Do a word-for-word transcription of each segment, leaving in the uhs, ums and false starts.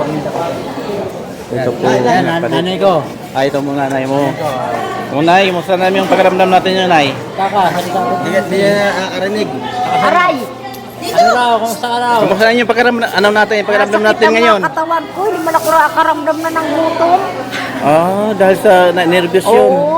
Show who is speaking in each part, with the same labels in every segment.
Speaker 1: paminta ko.
Speaker 2: Ito po
Speaker 1: Yan,
Speaker 2: yung
Speaker 1: yan, nan-
Speaker 2: kapatid.
Speaker 1: nanay ko.
Speaker 2: Ay, ito mong nanay mo. Unay, musta namin yung pakiramdam natin yun, Nay?
Speaker 1: Kaka, salita ko.
Speaker 3: Hindi hindi niya nakakarinig.
Speaker 4: Aray!
Speaker 1: Ano raw, kumusta ka raw?
Speaker 2: Kumusta na yung pakiramdam, ano natin, yung pakiramdam
Speaker 4: Nasakit
Speaker 2: natin
Speaker 4: ang mga
Speaker 2: ngayon?
Speaker 4: katawan ko, hindi man ako nakakaramdam na ng gutom.
Speaker 2: Ah, dahil sa na- nervous yun.
Speaker 4: Oo.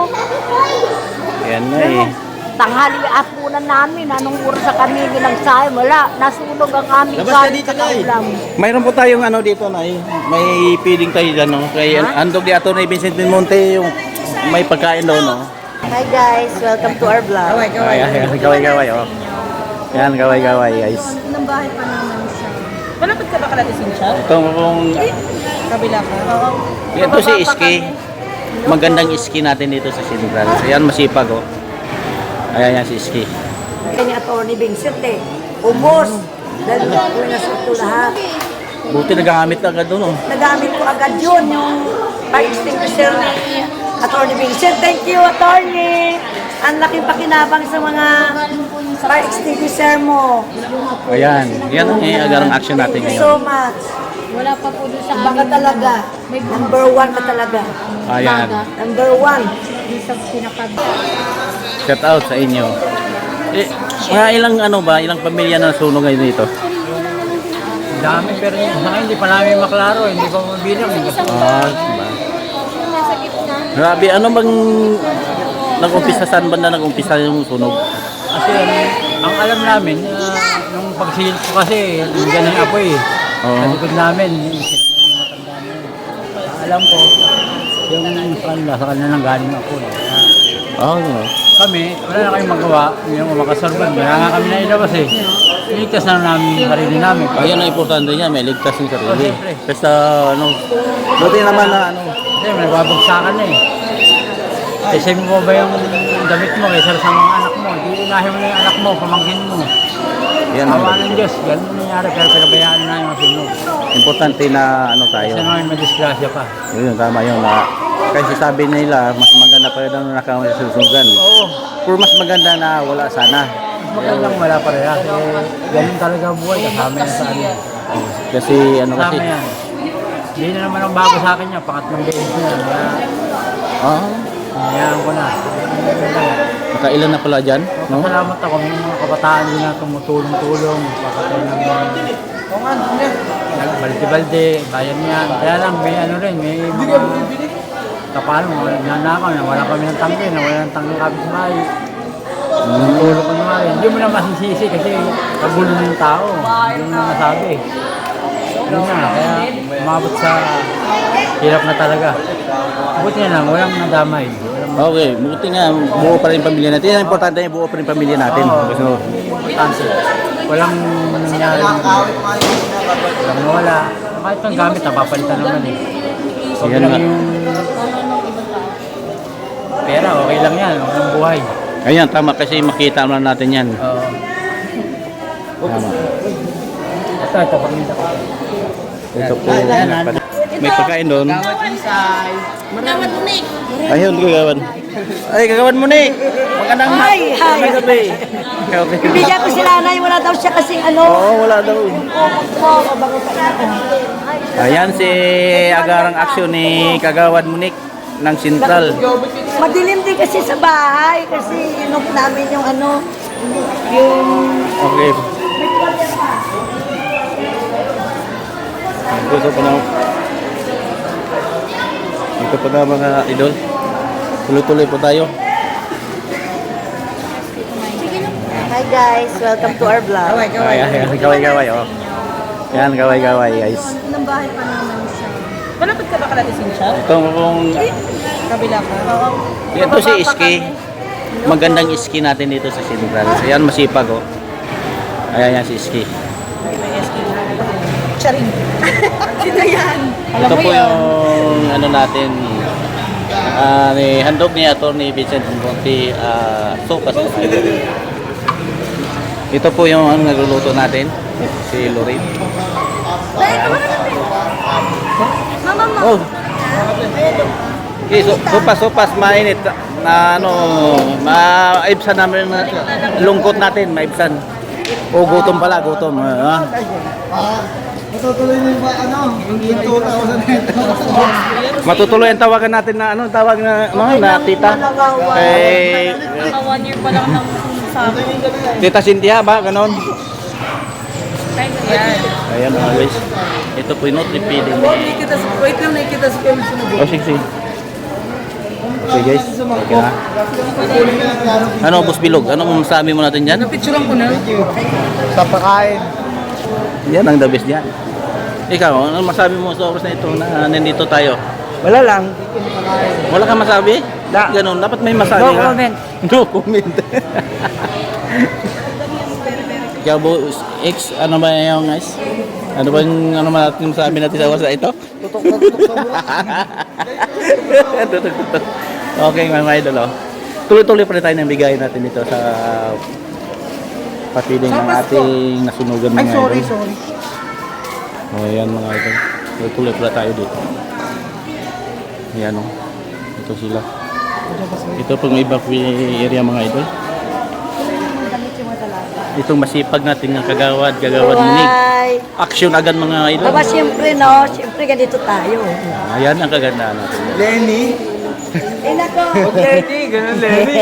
Speaker 2: Yan na
Speaker 4: Pero,
Speaker 2: eh.
Speaker 4: tanghali at muna namin, anong oras sa kami ginagsahay, wala, nasunog ang aming
Speaker 3: Labas ka
Speaker 4: kanin
Speaker 3: dito,
Speaker 4: sa
Speaker 3: Nay.
Speaker 4: kaulam.
Speaker 2: Mayroon po tayong ano dito, Nay. May feeding tayo dyan, no? Kay Andog di Ato na Vincent Monte, yung may pagkain daw, no?
Speaker 4: Hi guys, welcome to our vlog.
Speaker 2: Ay, ay, ay, gaway-gaway, oh. Yan, gaway-gaway, guys.
Speaker 5: Ng bahay pa naman siya. Malapit ka ba kalatisin siya?
Speaker 2: Ito kung...
Speaker 5: Kabila ka? Oo.
Speaker 2: Ito si Iski. Magandang Iski natin dito sa Sindral. Ayan, masipag, oh. Ayan, yan si Iski.
Speaker 4: Kanya Atty. Vincent eh, ubos. Dahil ko nasuto lahat.
Speaker 2: Buti nagagamit na agad doon, oh.
Speaker 4: Nagamit ko agad yun, yung fire extinguisher ni Atty. Vincent. Thank you, Atty. Ang laki pakinabang sa mga fire extinguisher mo.
Speaker 2: Ayan, yan ang eh, agarang action natin
Speaker 4: Thank you so
Speaker 2: ngayon.
Speaker 4: much.
Speaker 5: Wala pa po doon sa
Speaker 4: Baka
Speaker 5: amin.
Speaker 4: talaga. Number one ka talaga.
Speaker 2: Ayan,
Speaker 4: Number one.
Speaker 5: Doon sa pinakab.
Speaker 2: shout out sa inyo. Eh, mga ilang ano ba, ilang pamilya na nasunog ngayon dito?
Speaker 1: Ang dami, pero sa akin, hindi pa namin maklaro, hindi pa mabilang. eh.
Speaker 2: Ah, diba? Grabe, ano bang nag-umpisa, saan ba na nag-umpisa yung sunog?
Speaker 1: Kasi ang alam namin, uh, nung pagsilip ko kasi, yung ganang apoy eh.
Speaker 2: Oo.
Speaker 1: Sa likod namin, yung matanda na yun. Ang alam ko, yung sa kanila, sa kanila nang galing ako. Eh.
Speaker 2: Oh, no.
Speaker 1: Kami, wala na kayong magawa, hindi na makasurban. Kaya nga kami na ilabas eh. Iligtas na namin yung sarili namin.
Speaker 2: Ayan ang importante niya, may ligtas yung
Speaker 1: Oh,
Speaker 2: sarili.
Speaker 1: siyempre.
Speaker 2: Basta, ano, buti naman na, ano,
Speaker 1: Kasi may babagsakan na eh. Kasi mo ba yung damit mo kaysa sa mga anak mo? Di unahin mo na yung anak mo, pamangkin mo.
Speaker 2: yan
Speaker 1: Awa
Speaker 2: ang
Speaker 1: ng Diyos, ganun nangyari, pero pinabayaan na yung masunog.
Speaker 2: importante na, ano tayo.
Speaker 1: Kasi naman may disgrasya pa.
Speaker 2: Yun, tama yun. Na, kasi sabi nila, mas maganda pa rin ang nakasusugan.
Speaker 1: Oo,
Speaker 2: Pero mas maganda na wala sana.
Speaker 1: mas magandang wala pa rin. Kasi ganun talaga ang buhay, kasama yan sa amin.
Speaker 2: Kasi, ano
Speaker 1: Kasama
Speaker 2: kasi,
Speaker 1: yan. Hindi na naman ang bago sa akin yan, pangatlong beses na yan. Kaya,
Speaker 2: ah,
Speaker 1: hinayaan ko na.
Speaker 2: nakailan na pala dyan, no?
Speaker 1: Salamat ako, may mga kabataan din na tumutulong-tulong, pakatay ng mga balde-balde, bayan yan. Kaya lang, may ano rin, may mga kapalo, nanakaw na wala kami ng tangke, na wala ng tangke kapit sa bahay. Tulong ko naman rin. Hindi mo na masisisi kasi kagulo ng tao. Hindi mo na masabi. Yun na, kaya umabot sa hirap na talaga. Buti na lang, walang nadamay. Walang
Speaker 2: Okay, buti nga, buo pa rin yung pamilya natin. Yan ang importante yung buo pa rin yung pamilya natin.
Speaker 1: Oo.
Speaker 2: Kasi,
Speaker 1: importante. Walang nangyari. Walang nawala. Kahit ang gamit, napapalitan naman eh. Huwag
Speaker 2: Yan
Speaker 1: lang
Speaker 2: nga.
Speaker 1: yung pera, okay lang yan. Huwag lang buhay.
Speaker 2: ayan, tama kasi makita naman natin yan.
Speaker 1: Oo.
Speaker 2: Tama.
Speaker 1: Ito, ito, pagminta ko.
Speaker 2: Ito po. May pagkain doon.
Speaker 5: Dapat unik.
Speaker 2: Ayun, gagawan. Ay, gagawan mo, Nick. Magandang
Speaker 4: Hi, hi.
Speaker 2: magandang gabi. Okay.
Speaker 4: Bibigyan ko sila na wala daw siya kasing ano.
Speaker 2: Oo, wala daw.
Speaker 4: Ko, mabango pa ina.
Speaker 2: Ayan si agarang aksyon ni Kagawad Munik ng Sentral.
Speaker 4: Madilim din kasi sa bahay kasi inok namin yung ano, yung
Speaker 2: Okay. Ito pa na. Ito pa na mga idol. Tuloy-tuloy po tayo.
Speaker 4: Hi guys, welcome to our vlog.
Speaker 2: Ay, ay, ay, gaway-gaway, oh. Yan, gaway-gaway, guys.
Speaker 5: Ng bahay pa naman siya. Malapit ka ba kalatisin siya?
Speaker 2: Ito kung...
Speaker 5: Kabila ka? Oo.
Speaker 2: Ito si Iski. Magandang Iski natin dito sa Sentral. Ayan, masipag, oh. Ayan, yan si Iski.
Speaker 5: Charing. Sino yan? Alam
Speaker 2: Ito
Speaker 5: mo
Speaker 2: po
Speaker 5: yun.
Speaker 2: yung ano natin, ah, ni handog ni Atty. Vincent Monte, ah, sopas. Ito po yung ano nagluluto natin, si Lorraine.
Speaker 5: Mama mo.
Speaker 2: Oh. Okay, so, sopas, sopas, mainit na ano, maibsan namin na lungkot natin, maibsan. O gutom pala, gutom. Ah.
Speaker 3: Matutuloy na yung ba- ano, yung two thousand nito.
Speaker 2: Matutuloy ang tawagan natin na ano, tawag na ano, na tita. Kay
Speaker 5: Mga one year pa lang ng sa akin.
Speaker 2: Tita Cynthia ba ganon?
Speaker 5: Kaya yan.
Speaker 2: Ayan mga guys. Ito po yung Nutri Feeding.
Speaker 5: Wait lang, nakikita sa film sunod.
Speaker 2: Oh, sige, sige. Okay guys, okay na. Ano, Boss Bilog? Ano masasabi mo natin dyan?
Speaker 5: Napicturean ko na.
Speaker 3: Sa pagkain.
Speaker 2: Yan ang the best dyan. Ikaw, ano masabi mo sa oras na ito na nandito tayo?
Speaker 3: Wala lang.
Speaker 2: Wala kang masabi? Da. Ganon, dapat may masabi
Speaker 3: No
Speaker 2: ka.
Speaker 3: comment.
Speaker 2: No comment. Ikaw, Boss X, ano ba yung guys? Ano ba yung ano ba natin masabi natin sa oras na ito?
Speaker 3: Tutok na tutok sa buwan.
Speaker 2: Tutok, tutok. Okay, mga idol. Oh. Tuloy-tuloy pa rin tayo ng bigay natin dito sa papiling ng ating nasunugan mga
Speaker 3: Ay, sorry,
Speaker 2: idol.
Speaker 3: sorry.
Speaker 2: O, oh, ayan mga idol. Tuloy-tuloy pala tayo dito. Ayan o. Oh. Ito sila. Ito pong evacuee area mga idol. Itong masipag natin ng kagawad, kagawad munig.
Speaker 4: Buhay.
Speaker 2: Action agad mga idol.
Speaker 4: Aba, siyempre, no? Siyempre, ganito tayo.
Speaker 2: Ayan ang kagandaan natin.
Speaker 3: Lenny.
Speaker 4: Eh, nako.
Speaker 3: Lenny, ganun Lenny.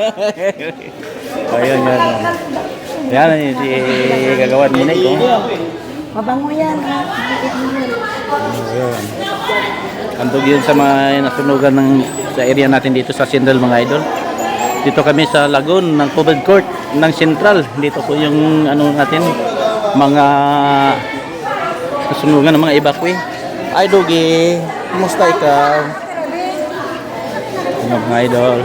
Speaker 2: Ayan, yan. Ayan, yan si kagawad munig. Oh.
Speaker 4: Mabango yan, ha?
Speaker 2: Ayan. Andog yun sa mga nasunugan ng, sa area natin dito sa Central mga idol. Dito kami sa Lagoon ng Covered Court ng Central. Dito po yung ano natin, mga nasunugan ng mga evacuee. Ay Dogi, kumusta ikaw? Ano mga idol?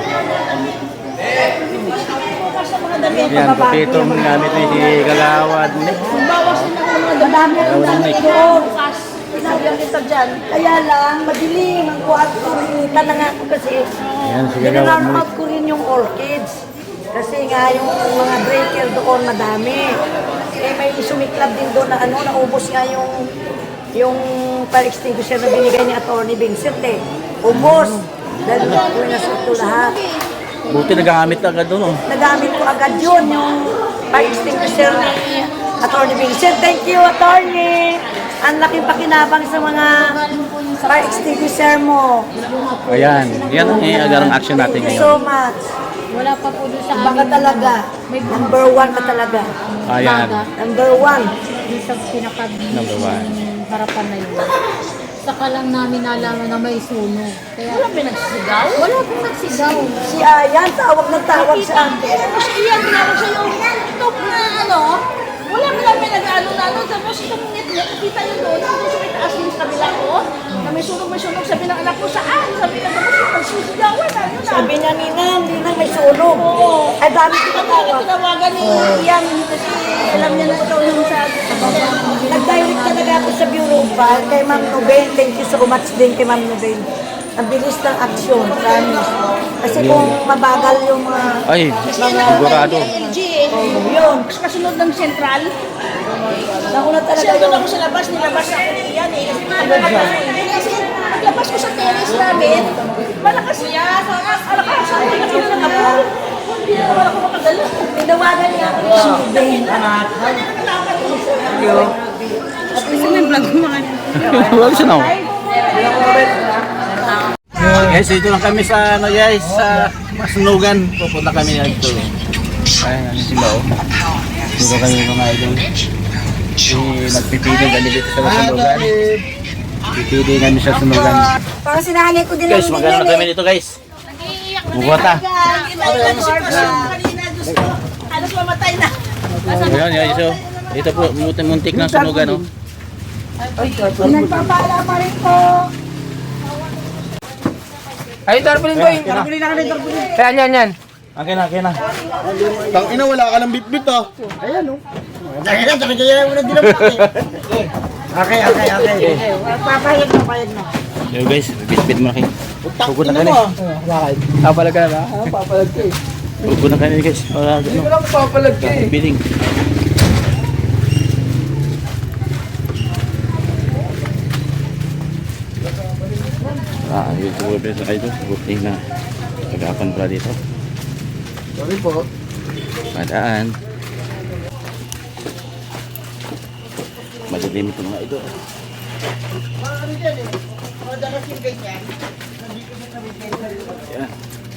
Speaker 2: Yan, kapitong gamit ni si Kagawad.
Speaker 4: Madami ang dami ko. Sinabihan kita dyan. Kaya lang, madilim ang kwarto. Hinita na nga ako kasi.
Speaker 2: Yan, si Kagawad.
Speaker 4: Dinarnout ko rin yung orchids. Kasi nga yung mga breaker doon madami. Eh may sumiklab din doon na ano, naubos nga yung yung fire extinguisher na binigay ni Atty. Vincent eh. Ubos. Dahil ko nasuto lahat.
Speaker 2: Buti nagagamit agad doon. Oh.
Speaker 4: Nagamit ko agad yun, yung fire extinguisher ni Atty. Vincent. Thank you, Atty. Ang laking pakinabang sa mga fire extinguisher mo.
Speaker 2: Ayan, yan ang eh, agarang action natin
Speaker 4: Thank you so
Speaker 2: ngayon.
Speaker 4: much.
Speaker 6: Wala pa po doon sa
Speaker 4: Baka
Speaker 6: amin.
Speaker 4: talaga. Number one ka talaga.
Speaker 2: Ayan,
Speaker 4: Number one.
Speaker 6: Yung sa pinaka
Speaker 2: Number one.
Speaker 6: harapan na yun. Saka lang namin nalaman na may sunog. Kaya, wala pa nagsigaw? Wala pong nagsigaw.
Speaker 4: Si Ayan, tawag na tawag sa akin.
Speaker 7: Tapos iyan, tinawag siya yung top na ano, wala mo lang may nag-ano na ano, tapos itong ngit-ngit, kita yun doon, doon sa may taas yung kabila ko, na may sunog, may sunog, sabi ng anak ko, saan? Sabi ng anak ko, magsusigawan na, yun na.
Speaker 4: Sabi niya, Nina, hindi na may sunog.
Speaker 7: Oo.
Speaker 4: Ay, dami ko
Speaker 7: Kami
Speaker 4: tawag.
Speaker 7: yung tinawagan ni Ian, kasi alam niya na ito yung sa...
Speaker 4: Nag-direct talaga ako sa Bureau of Fire kay Ma'am Nuben. Thank you so much din kay Ma'am Nuben. Ang bilis ng aksyon, promise. Kasi kung mabagal yung mga...
Speaker 2: ay, sigurado.
Speaker 7: L G eh.
Speaker 4: Yun,
Speaker 7: Tapos kasunod ng sentral,
Speaker 4: nauna
Speaker 7: kasi
Speaker 4: talaga
Speaker 7: doon
Speaker 4: yun.
Speaker 7: ako sa labas, nilabas ako ni Ian eh. Kasi naglabas ako eh. Kasi paglabas ko sa terrace namin, malakas niya, malakas, malakas, malakas na ng apo. Hindi na naman ako makagala.
Speaker 4: Tinawagan niya ako ni Ma'am Nuben.
Speaker 5: Kasi may vlog mo mga
Speaker 2: Wala siya now. Guys, dito lang kami sa ano guys, sa Masunugan. Pupunta kami dito. Ayan, ano sila oh. Dito kami mga idol. Si nagpipili kami dito sa Masunugan. Pipili kami sa Sunugan.
Speaker 4: Parang sinahanay ko din
Speaker 2: Guys,
Speaker 4: ang
Speaker 2: magano na kami dito guys. Bugota.
Speaker 7: Halos mamatay na.
Speaker 2: Ayan, guys, so. Dito po, muntik ng sunugan oh.
Speaker 4: Nagpapala pa rin ko.
Speaker 3: Ay, tarpulin ko yun. Tarpulin na kami, tarpulin. Yan, yan, yan.
Speaker 2: Okay na, okay na.
Speaker 3: Tang ina, wala ka ng bit-bit ah. Ayan, oh. Dahil lang, sabi kaya mo na din ang Okay, okay, okay.
Speaker 4: Papayag na, payag na.
Speaker 2: Yo guys, bit-bit mo na kayo. Pugod na kami.
Speaker 3: Bakit? Papalag ka na ba? Ah, papalag ka eh.
Speaker 2: Pugod na kami guys. Para
Speaker 3: Hindi
Speaker 2: ano,
Speaker 3: ko lang papalag ka eh.
Speaker 2: biling. Ah, dito po sa kayo. Buti na. Pag-apan pala dito.
Speaker 3: Sorry po.
Speaker 2: Padaan. Madilim ito mga idol. Ayan.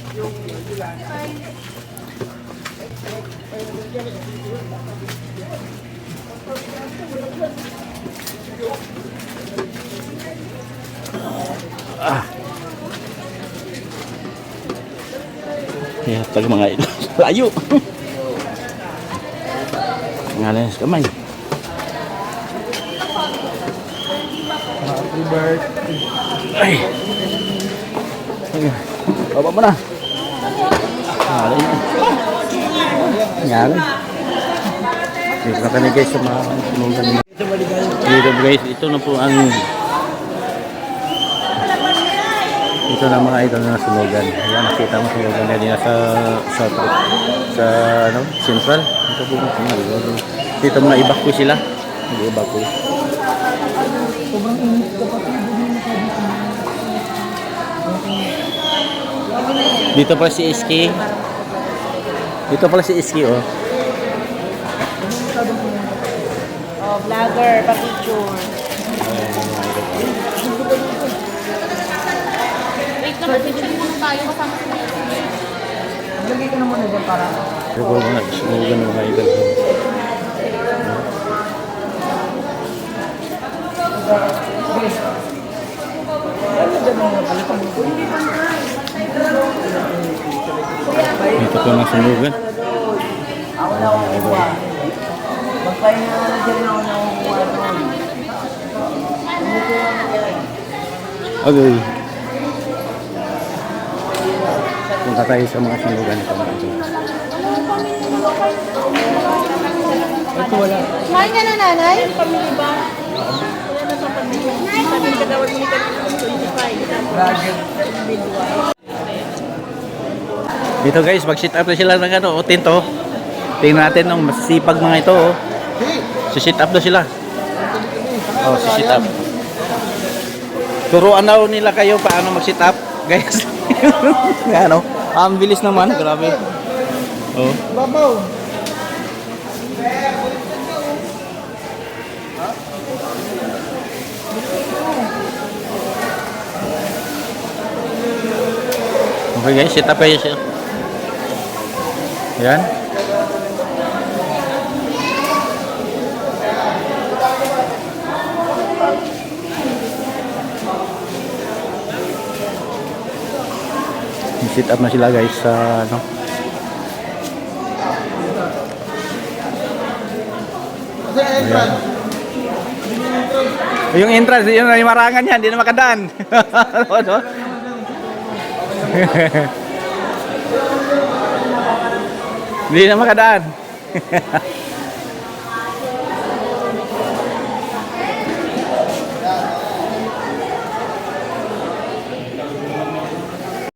Speaker 2: Ah. Ya, tag mga idol. Layo. Ngalan sa kamay.
Speaker 3: Happy birthday.
Speaker 2: Ay. Ay. Baba mo na. Ngalan yun. Ngalan. Dito na kami guys sa mga sunugan. Dito guys, ito na po ang ito na mga idol na sunugan. Ayan, nakita mo sunugan na din sa sa sa ano, central. Ito po yung sunugan. Dito mga evacuate sila. Nag-evacuate. Dito pala si Iski. Dito pala si Iski, oh.
Speaker 7: Oh, vlogger, pa-picture.
Speaker 6: Wait naman, picture muna tayo kasama sa mga.
Speaker 1: Lagay ka na muna dyan para.
Speaker 2: Ito po mga sunugan ng mga idol. Ito po mga sunugan.
Speaker 4: Ako na ako kukuha. Magpahinga na dyan ako na kukuha doon.
Speaker 2: Okay. Punta tayo sa mga sunugan ito mga idol.
Speaker 1: Ito wala.
Speaker 7: Kumain ka na, nanay? Pamili ba? Wala na sa pamili. Sabi ka daw ni kanina twenty-five.
Speaker 2: Dito guys, mag-sit up na sila ng ano, o tinto. Tingnan natin ng masisipag mga ito, oh. Si-sit up na sila. Oh, si-sit up. Turuan na nila kayo paano mag-sit up, guys. Ano? Ang bilis naman, grabe. Oh.
Speaker 3: Babaw.
Speaker 2: Okay guys, sit up kayo siya. Ayan. Sit up na sila guys sa ano. Ayan. Yung entrance, yun na yung marangan yan, hindi na makadaan. Ano? Hindi na makadaan.